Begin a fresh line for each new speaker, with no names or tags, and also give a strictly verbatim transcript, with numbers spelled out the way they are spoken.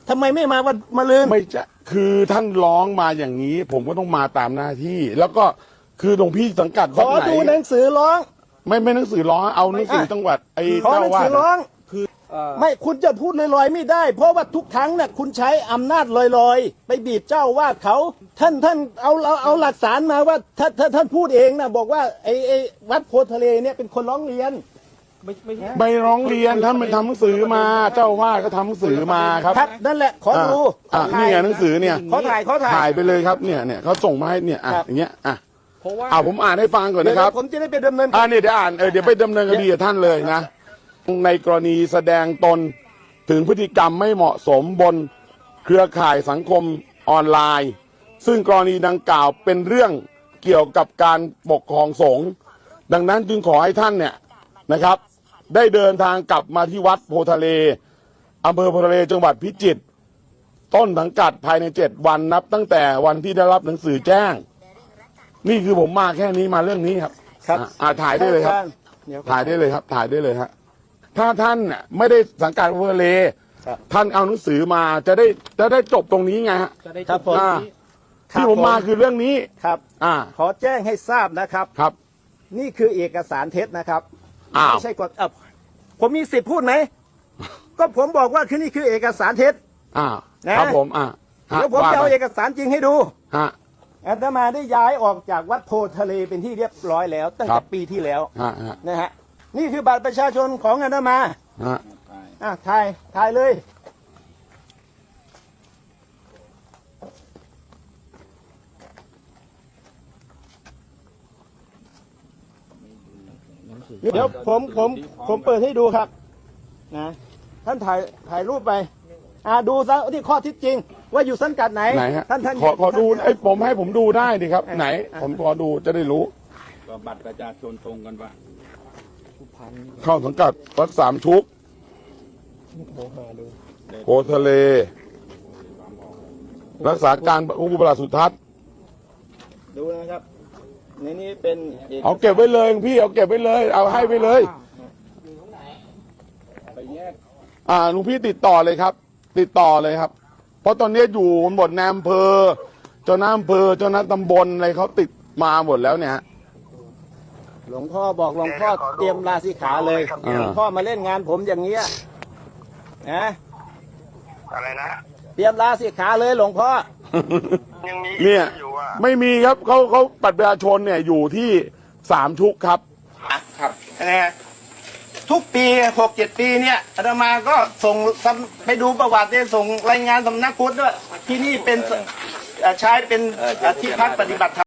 ทำไมไม่มาวันมะรืน
ไม่จะคือท่านร้องมาอย่างนี้ ผมก็ต้องมาตามหน้าที่ แล้วก็คือหลวงพี่สังกัด
ข
วัด
อ
ไหน
ดูหนังสือร้อง
ไม่ไม่หนังสือร้องเอาหนังสือจังหวัดไอ้
ขอ
เจ้า
หนัง
ว่า
สือร้อง
คือ
ไม่คุณจะพูดลอยๆไม่ได้ เพราะว่าทุกครั้งน่ะคุณใช้อำนาจลอยๆ ไปบีบเจ้าวาดเขา ท่านท่านเอาเอาเอาหลักฐานมาว่าท่านท่านท่านพูดเองนะบอกว่าไอ้ไอ้วัดโพทะเลเนี่ยเป็นคนร้องเรียน
ไม่ไม่ใช่
ใบร้องเรียนท่านไปทำหนังสือมาเจ้าว่าก็ทำหนังสือมาครับ
ครับนั่นแหละขอดู
อ่ะ
ขอถ่าย
นี่ไงหนังสือเนี่ย
ขอถ่ายขอถ่าย
ถ่ายไปเลยครับเนี่ยเนี่ยเขาส่งมาให้เนี่ยอ่ะ
ครับ
อย่างเงี้ยอ่ะ
เพราะว่า
เอาผมอ่านให้ฟังก่อน
เดี๋ยว
นะครับ
ผมจะได้ไปดำเนิน
อ่าเนี่ยเดี๋ยวอ่านเออเดี๋ยวไปดำเนินคดีกับท่านเลยนะในกรณีแสดงตนถึงพฤติกรรมไม่เหมาะสมบนเครือข่ายสังคมออนไลน์ ซึ่งกรณีดังกล่าวเป็นเรื่องเกี่ยวกับการปกครองสงฆ์ดังนั้นจึงขอให้ท่านเนี่ยนะครับ ได้เดินทางกลับมาที่วัดโพทะเลอำเภอโพทะเลจังหวัดพิจิตรต้นสังกัดภายในเจ็ดวันนับตั้งแต่วันที่ได้รับหนังสือแจ้ง นี่คือผมมาแค่นี้มาเรื่องนี้ครับ
ครับ
อ่ะอ่าถ่ายได้เลยครับ
เดี๋ยว
ถ่ายได้เลยครับ ถ่ายได้เลยฮะถ้าท่านน่ะไม่ได้สังกัดโพทะเล
ครับ
ท่านเอาหนังสือมาจะได้จะได้จบตรงนี้ไงฮะ
จะได้
ครับผม
อ่า
ครับ
ที่ผมมาคือเรื่องนี้
ครับ
อ่า
ขอแจ้งให้ทราบนะครับ
ครับ
นี่คือเอกสารเท็จนะครับ
อ้าว
ไม่ใช่กฎเอ่อผมมีสิทธิ์พูดไหม ก็ผมบอกว่าคือนี่คือเอกสารเท็จ
อ่า
นะ
ครับผมอ่าฮะ
แล้วผม
ว่า
จะเอา
ไป
เอกสารจริงให้ดู
ฮะ
อาตมาได้ย้ายออกจากวัดโพทะเลเป็นที่เรียบร้อยแล้ว ตั้ง
ครั
แต่
บ
ปีที่แล้ว
ฮะฮะ
นะฮะนี่คือบัตรประชาชนของอาตมา
ฮะ
อ่ะถ่ายถ่ายเลยเดี๋ยวผมผมผมเปิดให้ดูครับนะท่านถ่ายถ่ายรูปไปอ่าดูซะที่ข้อเท็จจริง ว่าอยู่สังกัดไหน
ไหนฮะ
ท่านท่าน
ขอขอดูไอ้ยผมให้ผมดูได้ดิครับ
อ่ะ
ไหน
อ่ะ
ผมขอดูจะได้รู้
ก็บัตรประชาชนตรงกันปะ
เข้าสังกัดวัดสามชุกโพทะเล รักษาการผู้ประหลัดสุทัศน์
ดูนะครับในนี้เป็นก
เอาเก็บไว้เลยพี่เอาเก็บไว้เลย เอาให้ไปเลย
ไปแยก
อ่าลุงพี่ติดต่อเลยครับ ติดต่อเลยครับ เพราะตอนนี้อยู่หมดในอำเภอ เจ้าหน้าอำเภอเจ้าหน้าตำบลอะไรเขาติดมาหมดแล้วเนี่ยฮะ
หลวงพ่อบอกหลวงพ่อเตรียมลาสิกขาเลย
อ่า
หลวงพ่อมาเล่นงานผมอย่างเงี้ยนะ
อะไรนะ
เตรียมลาสิกขาเลยหลวงพ่อ
ยังมี
เนี่ย
อยู่อ่ะ
ไม่มีครับเขาเขาปัตรประชาชนเนี่ยอยู่ที่สามชุกครับ
ครับนะฮะทุกปีหกเจ็ดปีเนี่ยอาตมาก็ส่งสำไปดูประวัติเนี่ยส่งรายงานสำนักพุทธด้วยที่นี่เป็นเอ่อใช้เป็นเอ่อที่พักปฏิบัติธรรม